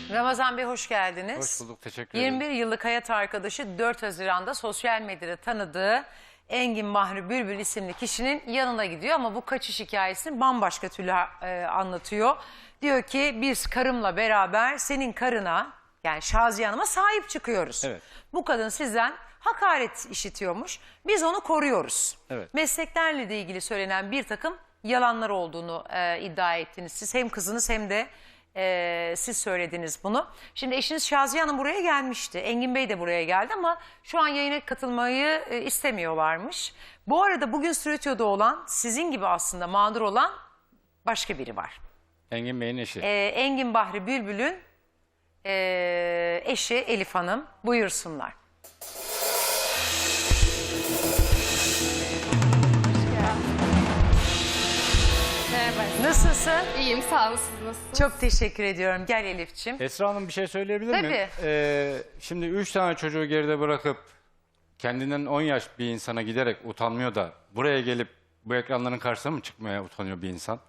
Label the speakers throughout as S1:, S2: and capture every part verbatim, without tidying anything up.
S1: Ramazan Bey hoş geldiniz.
S2: Hoş bulduk, teşekkür ederim.
S1: yirmi bir yıllık hayat arkadaşı dört Haziran'da sosyal medyada tanıdığı Engin Bahri Bülbül isimli kişinin yanına gidiyor ama bu kaçış hikayesini bambaşka türlü e, anlatıyor. Diyor ki biz karımla beraber senin karına yani Şaziye Hanım'a sahip çıkıyoruz.
S2: Evet.
S1: Bu kadın sizden hakaret işitiyormuş. Biz onu koruyoruz.
S2: Evet.
S1: Mesleklerle de ilgili söylenen bir takım yalanlar olduğunu e, iddia ettiniz. Siz hem kızınız hem de e, siz söylediniz bunu. Şimdi eşiniz Şaziye Hanım buraya gelmişti. Engin Bey de buraya geldi ama şu an yayına katılmayı e, istemiyorlarmış. Bu arada bugün stüdyoda olan sizin gibi aslında mağdur olan başka biri var.
S2: Engin Bey'in eşi.
S1: E, Engin Bahri Bülbül'ün e, eşi Elif Hanım. Buyursunlar.
S3: Merhaba.
S1: Nasılsın?
S3: İyiyim, sağ olun. Siz nasılsınız?
S1: Çok teşekkür ediyorum. Gel Elif'ciğim.
S2: Esra Hanım bir şey söyleyebilir miyim?
S1: Tabii.
S2: Ee, şimdi üç tane çocuğu geride bırakıp kendinden on yaş bir insana giderek utanmıyor da buraya gelip bu ekranların karşısına mı çıkmaya utanıyor bir insan?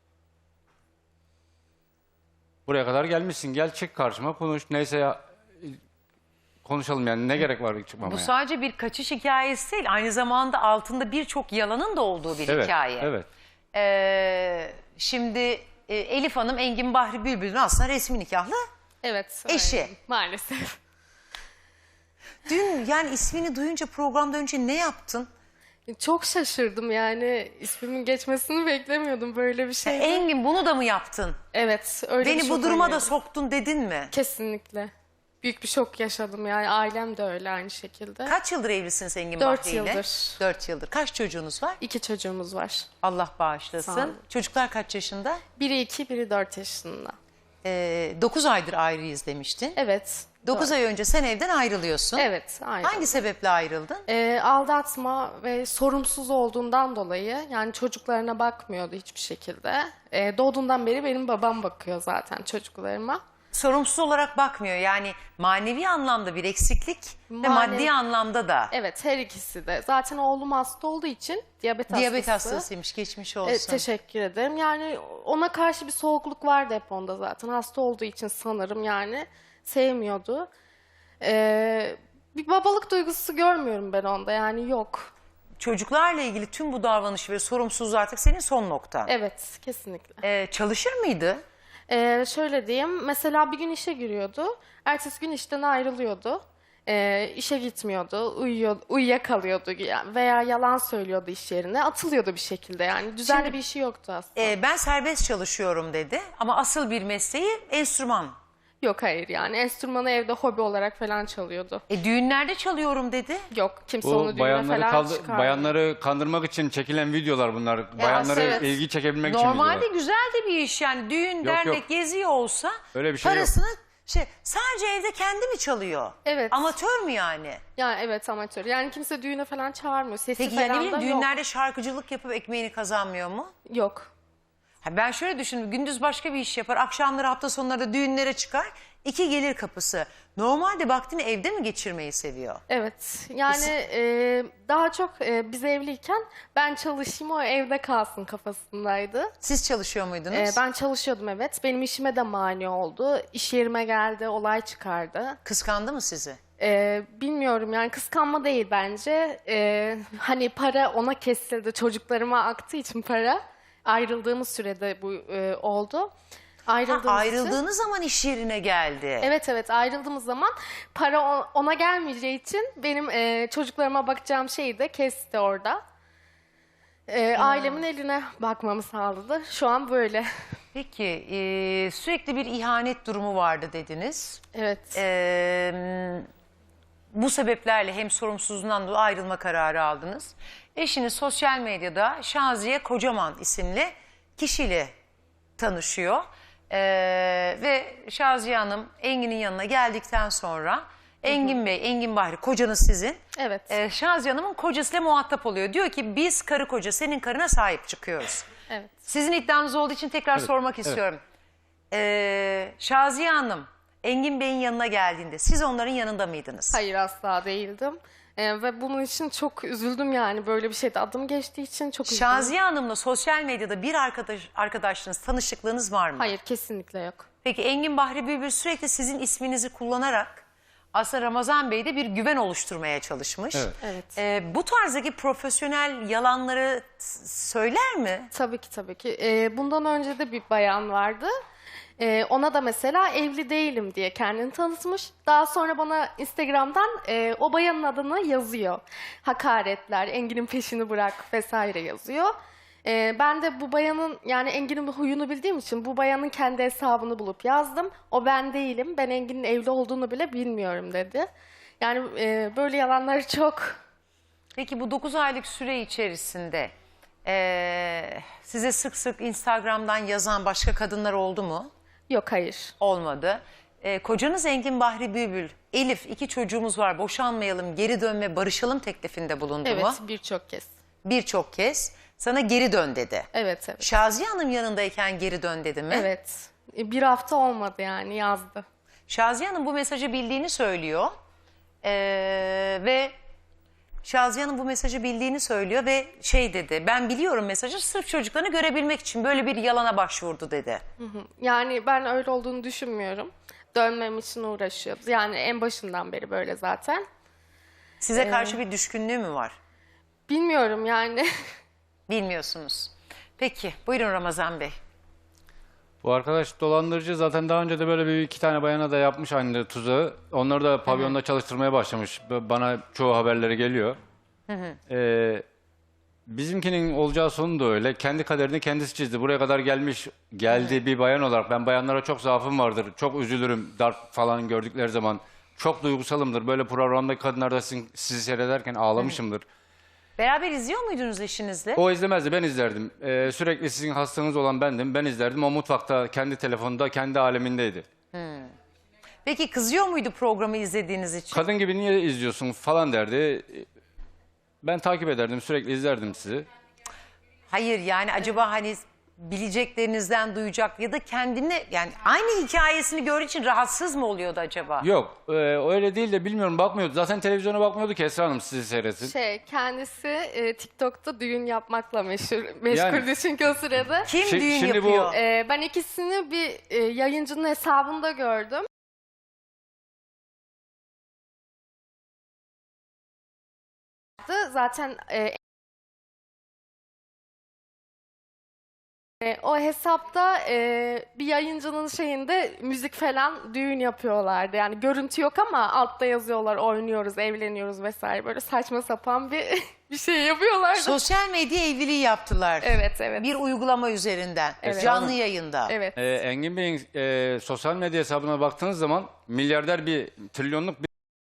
S2: Buraya kadar gelmişsin. Gel çık karşıma konuş. Neyse ya konuşalım yani ne gerek var çıkmamaya?
S1: Bu sadece bir kaçış hikayesi değil. Aynı zamanda altında birçok yalanın da olduğu bir
S2: evet,
S1: hikaye.
S2: Evet.
S1: Ee, şimdi e, Elif Hanım Engin Bahri Bülbül'ün aslında resmi nikahlı
S3: Evet.
S1: eşi.
S3: öyleyim, Maalesef.
S1: Dün yani ismini duyunca programdan önce ne yaptın?
S3: Çok şaşırdım yani. İsmimin geçmesini beklemiyordum böyle bir şey.
S1: Engin bunu da mı yaptın?
S3: Evet. Öyle bir
S1: Beni bu
S3: şok
S1: duruma da
S3: oynadım.
S1: soktun dedin mi?
S3: Kesinlikle. Büyük bir şok yaşadım yani. Ailem de öyle aynı şekilde.
S1: Kaç yıldır evlisiniz Engin
S3: Dört
S1: Bahri ile?
S3: yıldır.
S1: Dört yıldır. Kaç çocuğunuz var?
S3: İki çocuğumuz var.
S1: Allah
S3: Sağ
S1: bağışlasın.
S3: olun.
S1: Çocuklar kaç yaşında?
S3: Biri iki, biri dört yaşında.
S1: Ee, dokuz aydır ayrıyız demiştin.
S3: Evet.
S1: Dokuz
S3: doğru.
S1: ay önce sen evden ayrılıyorsun.
S3: Evet. Aynen.
S1: Hangi sebeple ayrıldın?
S3: Ee, aldatma ve sorumsuz olduğundan dolayı yani çocuklarına bakmıyordu hiçbir şekilde. Ee, doğduğundan beri benim babam bakıyor zaten çocuklarıma.
S1: Sorumsuz olarak bakmıyor. Yani manevi anlamda bir eksiklik ve
S3: Manevi-
S1: maddi anlamda da.
S3: Evet, her ikisi de. Zaten oğlum hasta olduğu için diyabet,
S1: Diyabet
S3: hastası.
S1: hastasıymış. Geçmiş olsun.
S3: E, teşekkür ederim. Yani ona karşı bir soğukluk vardı hep onda zaten. Hasta olduğu için sanırım yani sevmiyordu. Ee, bir babalık duygusu görmüyorum ben onda yani yok.
S1: Çocuklarla ilgili tüm bu davranışı ve sorumsuzluğu artık senin son noktan.
S3: Evet, kesinlikle.
S1: Ee, çalışır mıydı?
S3: Ee, şöyle diyeyim, mesela bir gün işe giriyordu, ertesi gün işten ayrılıyordu, ee, işe gitmiyordu, uyuyor, uyuyakalıyordu yani veya yalan söylüyordu iş yerine, atılıyordu bir şekilde yani düzenli
S1: Şimdi-
S3: bir işi yoktu aslında.
S1: Ee, ben serbest çalışıyorum dedi ama asıl bir mesleği enstrüman.
S3: Yok hayır yani enstrümanı evde hobi olarak falan çalıyordu.
S1: E, düğünlerde çalıyorum dedi.
S3: Yok kimse
S2: Bu
S3: onu düğüne
S2: bayanları,
S3: falan
S2: kaldı-
S3: çıkarmıyor.
S2: bayanları kandırmak için çekilen videolar bunlar. Bayanları
S1: evet.
S2: ilgi çekebilmek için
S1: Normalde
S2: videolar.
S1: güzel de bir iş yani düğün, dernek,
S2: yok.
S1: geziyor olsa
S2: Öyle bir şey yok.
S1: parasını şey sadece evde kendi mi çalıyor?
S3: Evet.
S1: Amatör mü yani?
S3: Yani evet amatör yani kimse düğüne falan çağırmıyor. Sesi
S1: Peki
S3: falan
S1: yani ne bileyim
S3: da
S1: düğünlerde şarkıcılık yapıp ekmeğini kazanmıyor mu?
S3: yok. Yok.
S1: Ha ben şöyle düşündüm. Gündüz başka bir iş yapar. Akşamları hafta sonları da düğünlere çıkar. İki gelir kapısı. Normalde vaktini evde mi geçirmeyi seviyor?
S3: Evet yani e, daha çok e, biz evliyken ben çalışayım o evde kalsın kafasındaydı.
S1: Siz çalışıyor muydunuz?
S3: E, ben çalışıyordum evet. Benim işime de mani oldu. İş yerime geldi, olay çıkardı.
S1: Kıskandı mı sizi?
S3: E, bilmiyorum yani kıskanma değil bence. E, hani para ona kesildi. Çocuklarıma aktığı için para. Ayrıldığımız sürede bu e, oldu.
S1: Ha,
S3: Ayrıldığımız için-
S1: ayrıldığınız zaman iş yerine geldi.
S3: Evet evet ayrıldığımız zaman para o- ona gelmeyeceği için benim e, çocuklarıma bakacağım şeyi de kesti orada. E, ailemin eline bakmamı sağladı. Şu an böyle.
S1: Peki e, sürekli bir ihanet durumu vardı dediniz.
S3: Evet.
S1: E, bu sebeplerle hem sorumsuzluğundan dolayı ayrılma kararı aldınız. Eşiniz sosyal medyada Şaziye Kocaman isimli kişiyle tanışıyor. E, ve Şaziye Hanım Engin'in yanına geldikten sonra Engin Bey, Engin Bahri kocanız sizin.
S3: Evet.
S1: E, Şaziye Hanım'ın kocasıyla muhatap oluyor. Diyor ki biz karı koca senin karına sahip çıkıyoruz.
S3: Evet.
S1: Sizin iddianız olduğu için tekrar
S2: Evet,
S1: sormak
S2: evet.
S1: istiyorum. Ee, Şaziye Hanım, Engin Bey'in yanına geldiğinde siz onların yanında mıydınız?
S3: Hayır asla değildim. E, ve bunun için çok üzüldüm yani böyle bir şeyde adım geçtiği için çok üzüldüm.
S1: Şaziye Hanım'la sosyal medyada bir arkadaş, arkadaşlığınız, tanışıklığınız var mı?
S3: Hayır kesinlikle yok.
S1: Peki Engin Bahri Bülbül sürekli sizin isminizi kullanarak aslında Ramazan Bey'de bir güven oluşturmaya çalışmış.
S2: Evet.
S3: Evet.
S1: Ee, bu tarzdaki profesyonel yalanları s- söyler mi?
S3: Tabii ki tabii ki. Ee, bundan önce de bir bayan vardı. Ee, ona da mesela evli değilim diye kendini tanıtmış. Daha sonra bana Instagram'dan e, o bayanın adını yazıyor. Hakaretler, Engin'in peşini bırak vesaire yazıyor. Ee, ben de bu bayanın, yani Engin'in bu huyunu bildiğim için bu bayanın kendi hesabını bulup yazdım. O ben değilim, ben Engin'in evli olduğunu bile bilmiyorum dedi. Yani e, böyle yalanları çok.
S1: Peki bu dokuz aylık süre içerisinde ee, size sık sık Instagram'dan yazan başka kadınlar oldu mu?
S3: Yok, hayır.
S1: Olmadı. Ee, kocanız Engin Bahri Bülbül, Elif iki çocuğumuz var boşanmayalım, geri dönme, barışalım teklifinde bulundu
S3: Evet,
S1: mu?
S3: birçok kez.
S1: Birçok kez sana geri dön dedi.
S3: Evet, evet.
S1: Şaziye Hanım yanındayken geri dön dedi mi?
S3: Evet. E, Bir hafta olmadı yani, yazdı.
S1: Şaziye Hanım bu mesajı bildiğini söylüyor. Ee, ve Şaziye Hanım bu mesajı bildiğini söylüyor ve şey dedi, ben biliyorum mesajı, sırf çocuklarını görebilmek için böyle bir yalana başvurdu dedi.
S3: Yani ben öyle olduğunu düşünmüyorum. Dönmem için uğraşıyoruz. Yani en başından beri böyle zaten.
S1: Size karşı bir düşkünlüğü mü var?
S3: Bilmiyorum yani.
S1: Bilmiyorsunuz. Peki buyurun Ramazan Bey.
S2: Bu arkadaş dolandırıcı, zaten daha önce de böyle bir iki tane bayana da yapmış aynı tuzağı. Onları da pavyonda çalıştırmaya başlamış. B- Bana çoğu haberleri geliyor. Ee, bizimkinin olacağı sonu da öyle. Kendi kaderini kendisi çizdi. Buraya kadar gelmiş, geldi bir bayan olarak. Ben bayanlara çok zaafım vardır. Çok üzülürüm darp falan gördükleri zaman. Çok duygusalımdır. Böyle programdaki kadınlar da sizin, sizi seyrederken ağlamışımdır.
S1: Beraber izliyor muydunuz eşinizle?
S2: O izlemezdi, ben izlerdim. Ee, sürekli sizin hastanız olan bendim, ben izlerdim. O mutfakta, kendi telefonunda, kendi alemindeydi.
S1: Peki kızıyor muydu programı izlediğiniz için?
S2: Kadın gibi niye izliyorsun falan derdi. Ben takip ederdim, sürekli izlerdim sizi.
S1: Hayır yani acaba hani bileceklerinizden duyacak ya da kendini yani aynı hikayesini gördüğü için rahatsız mı oluyordu acaba?
S2: Yok, e, öyle değil de bilmiyorum, bakmıyordu. Zaten televizyona bakmıyordu ki Esra Hanım sizi seyretsin.
S3: Şey, kendisi e, TikTok'ta düğün yapmakla meşhur, meşguldü çünkü o sırada.
S1: Kim
S2: Şi-
S1: düğün
S2: şimdi bu-
S1: yapıyor?
S3: E, ben ikisini bir e, yayıncının hesabında gördüm. Zaten e, E, o hesapta e, bir yayıncının şeyinde müzik falan düğün yapıyorlardı. Yani görüntü yok ama altta yazıyorlar, oynuyoruz, evleniyoruz vesaire. Böyle saçma sapan bir bir şey yapıyorlardı.
S1: Sosyal medya evliliği yaptılar.
S3: Evet, evet.
S1: Bir uygulama üzerinden.
S3: Evet.
S1: Canlı yayında.
S3: Evet.
S2: Ee, Engin Bey'in e, sosyal medya hesabına baktığınız zaman milyarder, bir trilyonluk bir...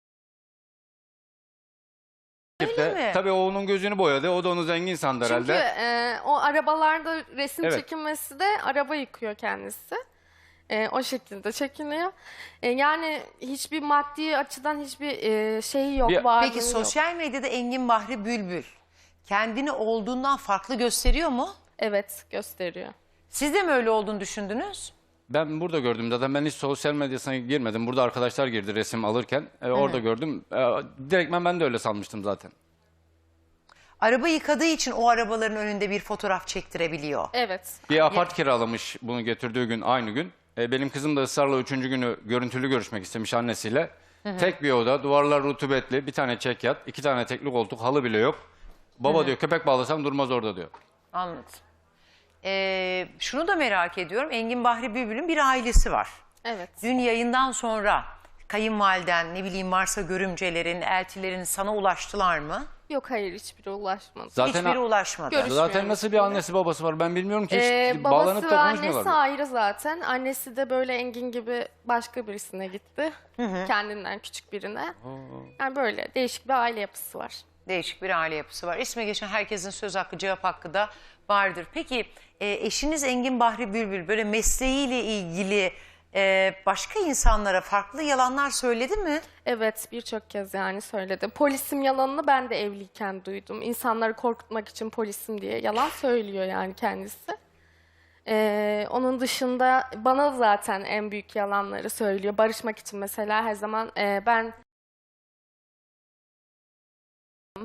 S1: Öyle mi?
S2: Tabii o onun gözünü boyadı. O da onu zengin sandı
S3: Çünkü
S2: herhalde.
S3: e, o arabalarda resim
S2: Evet.
S3: çekinmesi de araba yıkıyor kendisi. E, o şekilde çekiniyor. E, yani hiçbir maddi açıdan hiçbir e, şeyi yok,
S2: Bir-
S3: varlığı
S1: Peki
S3: yok.
S1: sosyal medyada Engin Bahri Bülbül kendini olduğundan farklı gösteriyor mu?
S3: Evet, gösteriyor.
S1: Siz de mi öyle olduğunu düşündünüz?
S2: Ben burada gördüm zaten, ben hiç sosyal medyasına girmedim. Burada arkadaşlar girdi resim alırken. E, orada gördüm. E, direktmen ben de öyle sanmıştım zaten.
S1: Araba yıkadığı için o arabaların önünde bir fotoğraf çektirebiliyor.
S3: Evet.
S2: Bir apart kiralamış bunu getirdiği gün, aynı gün. E, benim kızım da ısrarla üçüncü günü görüntülü görüşmek istemiş annesiyle. Tek bir oda, duvarlar rutubetli, bir tane çekyat, iki tane tekli koltuk, halı bile yok. Baba diyor, köpek bağlasam durmaz orada diyor.
S1: Anladım. Ee, şunu da merak ediyorum. Engin Bahri Bülbül'ün bir ailesi var.
S3: Evet.
S1: Dün yayından sonra kayınvaliden, ne bileyim varsa görümcelerin, eltilerin sana ulaştılar mı?
S3: Yok, hayır, hiçbiri ulaşmadı.
S2: Zaten
S1: Hiçbiri ulaşmadı.
S3: Görüş-
S2: zaten nasıl bir annesi babası var ben bilmiyorum ki, hiç
S3: Ee,
S2: bağlanıp
S3: babası
S2: da
S3: ve
S2: konuşmuyorlar.
S3: annesi ayrı zaten. Annesi de böyle Engin gibi başka birisine gitti. Kendinden küçük birine. Yani böyle değişik bir aile yapısı var.
S1: Değişik bir aile yapısı var. İsme geçen herkesin söz hakkı, cevap hakkı da vardır. Peki e, eşiniz Engin Bahri Bülbül böyle mesleğiyle ilgili e, başka insanlara farklı yalanlar söyledi mi?
S3: Evet, birçok kez yani söyledi. Polisim yalanını ben de evliyken duydum. İnsanları korkutmak için polisim diye yalan söylüyor yani kendisi. Ee, onun dışında bana zaten en büyük yalanları söylüyor. Barışmak için mesela her zaman e, ben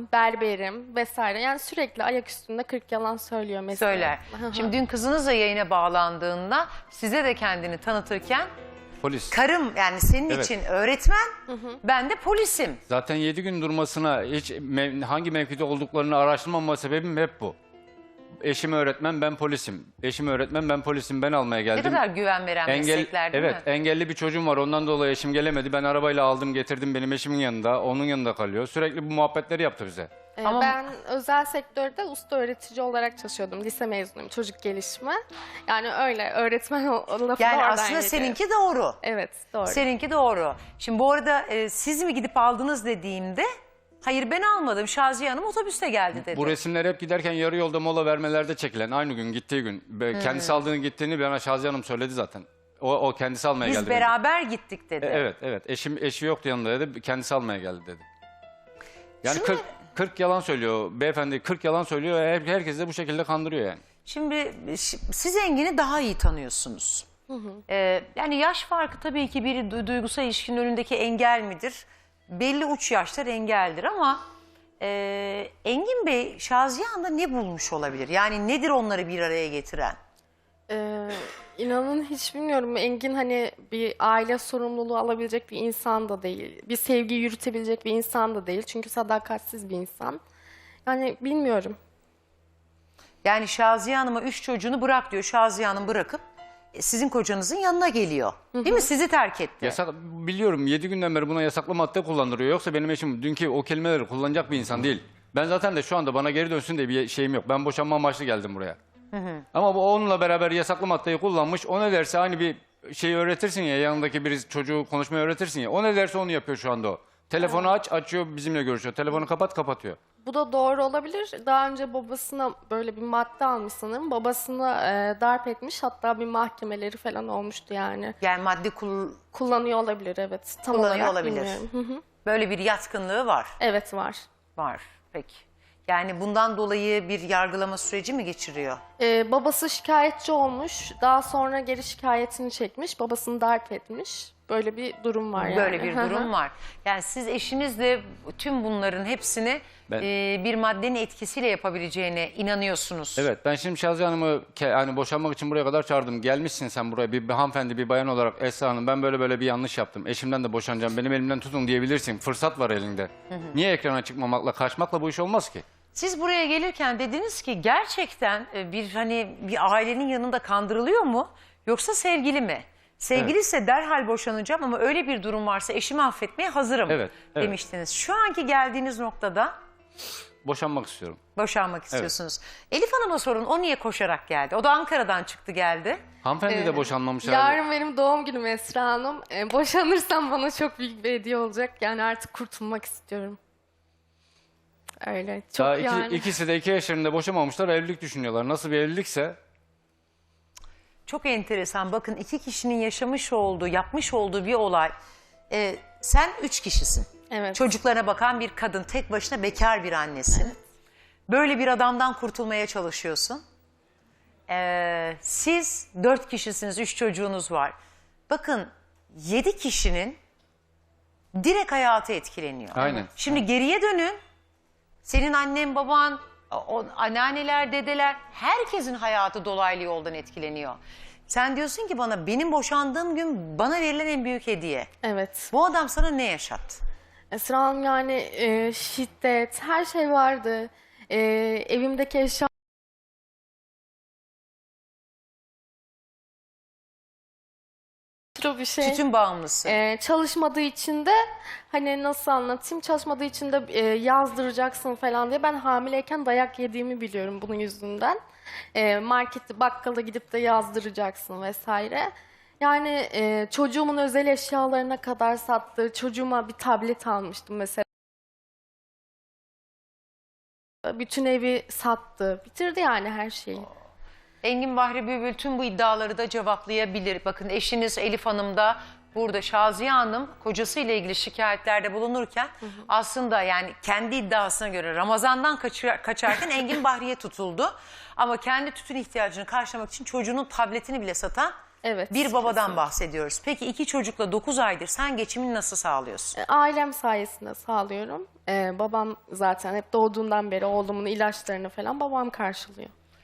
S3: berberim vesaire. Yani sürekli ayak üstünde kırk yalan söylüyor mesela.
S1: Söyler. Şimdi dün kızınız da yayına bağlandığında size de kendini tanıtırken
S2: Polis.
S1: karım yani senin
S2: Evet.
S1: için öğretmen, ben de polisim.
S2: Zaten yedi gün durmasına hiç mev- hangi mevkide olduklarını araştırmama sebebim hep bu. Eşim öğretmen, ben polisim. Eşim öğretmen, ben polisim. Ben almaya
S1: Ne
S2: geldim.
S1: kadar güven veren
S2: Engel,
S1: meslekler değil
S2: evet,
S1: mi?
S2: engelli bir çocuğum var. Ondan dolayı eşim gelemedi. Ben arabayla aldım, getirdim. Benim eşimin yanında. Onun yanında kalıyor. Sürekli bu muhabbetleri yaptı bize.
S3: Ee,
S1: Ama-
S3: Ben özel sektörde usta öğretici olarak çalışıyordum. Lise mezunuyum, çocuk gelişimi. Yani öyle öğretmen o, o lafı da
S1: Yani
S3: oradan
S1: aslında
S3: geliyor.
S1: seninki doğru.
S3: Evet, doğru.
S1: Seninki doğru. Şimdi bu arada e, siz mi gidip aldınız dediğimde hayır ben almadım. Şaziye Hanım otobüste geldi dedi.
S2: Bu resimler hep giderken yarı yolda mola vermelerde çekilen. Aynı gün, gittiği gün. Be- Kendisi aldığını gittiğini bana Şaziye Hanım söyledi zaten. O, o kendisi almaya
S1: Biz
S2: geldi. beni.
S1: beraber gittik dedi.
S2: E, Evet, evet. Eşim eşi yoktu yanında dedi. Kendisi almaya geldi dedi. Yani
S1: Şunu-
S2: kırk, kırk yalan söylüyor. Beyefendi kırk yalan söylüyor. Her, herkes de bu şekilde kandırıyor yani.
S1: Şimdi şi- siz Engin'i daha iyi tanıyorsunuz. Ee, yani yaş farkı tabii ki bir du- duygusal ilişkinin önündeki engel midir? Belli uç yaşlar engeldir ama e, Engin Bey Şaziye Hanım'da ne bulmuş olabilir? Yani nedir onları bir araya getiren?
S3: Ee, inanın hiç bilmiyorum. Engin hani bir aile sorumluluğu alabilecek bir insan da değil. Bir sevgi yürütebilecek bir insan da değil. Çünkü sadakatsiz bir insan. Yani bilmiyorum.
S1: Yani Şaziye Hanım'a üç çocuğunu bırak diyor. Şaziye Hanım bırakıp e, sizin kocanızın yanına geliyor. Değil mi? Sizi terk etti.
S2: Yasak, biliyorum yedi günden beri buna yasaklı madde kullandırıyor. Yoksa benim eşim dünkü o kelimeleri kullanacak bir insan değil. Ben zaten de şu anda bana geri dönsün diye bir şeyim yok. Ben boşanma amaçlı geldim buraya. Ama bu onunla beraber yasaklı maddeyi kullanmış. O ne derse aynı bir şeyi öğretirsin ya, yanındaki bir çocuğu konuşmayı öğretirsin ya. O ne derse onu yapıyor şu anda o. Telefonu aç, açıyor, bizimle görüşüyor. Telefonu kapat, kapatıyor.
S3: Bu da doğru olabilir. Daha önce babasına böyle bir madde almış sanırım. Babasını e, darp etmiş. Hatta bir mahkemeleri falan olmuştu yani.
S1: Yani madde kul-
S3: Kullanıyor olabilir, evet. Tam
S1: Kullanıyor
S3: olarak
S1: olabilir.
S3: bilmiyorum. Hı hı.
S1: böyle bir yatkınlığı var.
S3: Evet, var.
S1: Var. Peki. Yani bundan dolayı bir yargılama süreci mi geçiriyor?
S3: Ee, babası şikayetçi olmuş. Daha sonra geri şikayetini çekmiş. Babasını darp etmiş. Böyle bir durum var yani.
S1: Böyle bir
S3: Hı hı.
S1: durum var. Yani siz eşinizle tüm bunların hepsini
S2: Ben-
S1: e, bir maddenin etkisiyle yapabileceğine inanıyorsunuz.
S2: Evet, ben şimdi Şaziye Hanım'ı ke- hani boşanmak için buraya kadar çağırdım. Gelmişsin sen buraya bir, bir hanımefendi, bir bayan olarak Esra Hanım, ben böyle böyle bir yanlış yaptım. Eşimden de boşanacağım, benim elimden tutun diyebilirsin. Fırsat var elinde. Niye ekrana çıkmamakla, kaçmakla bu iş olmaz ki?
S1: Siz buraya gelirken dediniz ki gerçekten e, bir hani bir ailenin yanında kandırılıyor mu yoksa sevgili mi? Sevgili ise derhal boşanacağım ama öyle bir durum varsa eşimi affetmeye hazırım
S2: Evet, evet.
S1: demiştiniz. Şu anki geldiğiniz noktada
S2: Boşanmak istiyorum.
S1: boşanmak istiyorsunuz. Elif Hanım'a sorun, o niye koşarak geldi? O da Ankara'dan çıktı geldi.
S2: Hanımefendi de boşanmamış herhalde.
S3: Yarın benim doğum günüm Esra Hanım. Ee, boşanırsam bana çok büyük bir hediye olacak. Yani artık kurtulmak istiyorum. Öyle. Çok
S2: Daha iki,
S3: yani.
S2: ikisi de iki yaşlarında boşamamışlar, evlilik düşünüyorlar. Nasıl bir evlilikse
S1: Çok enteresan. Bakın iki kişinin yaşamış olduğu, yapmış olduğu bir olay. Ee, sen üç kişisin.
S3: Evet.
S1: Çocuklarına bakan bir kadın, tek başına bekar bir annesin. Böyle bir adamdan kurtulmaya çalışıyorsun. Ee, siz dört kişisiniz, üç çocuğunuz var. Bakın yedi kişinin direkt hayatı etkileniyor.
S2: Aynen.
S1: Şimdi geriye dönün. Senin annen, baban, o, anneanneler, dedeler, herkesin hayatı dolaylı yoldan etkileniyor. Sen diyorsun ki bana, benim boşandığım gün bana verilen en büyük hediye.
S3: Evet.
S1: Bu adam sana ne yaşattı?
S3: Esra Hanım yani e, şiddet, her şey vardı. E, evimdeki eşya bir şey.
S1: Tütün bağımlısı.
S3: Ee, çalışmadığı için de hani nasıl anlatayım, çalışmadığı için de e, yazdıracaksın falan diye ben hamileyken dayak yediğimi biliyorum bunun yüzünden. E, markette, bakkala gidip de yazdıracaksın vesaire. Yani e, çocuğumun özel eşyalarına kadar sattı. Çocuğuma bir tablet almıştım mesela. Bütün evi sattı. Bitirdi yani her şeyi.
S1: Engin Bahri Bülbül tüm bu iddiaları da cevaplayabilir. Bakın eşiniz Elif Hanım da burada, Şaziye Hanım kocasıyla ilgili şikayetlerde bulunurken aslında yani kendi iddiasına göre Ramazan'dan kaçır, kaçarken Engin Bahri'ye tutuldu. Ama kendi tütün ihtiyacını karşılamak için çocuğunun tabletini bile satan
S3: Evet.
S1: Bir babadan
S3: kesinlikle.
S1: bahsediyoruz. Peki iki çocukla dokuz aydır sen geçimini nasıl sağlıyorsun?
S3: E, Ailem sayesinde sağlıyorum. E, babam zaten hep doğduğundan beri oğlumun ilaçlarını falan babam karşılıyor.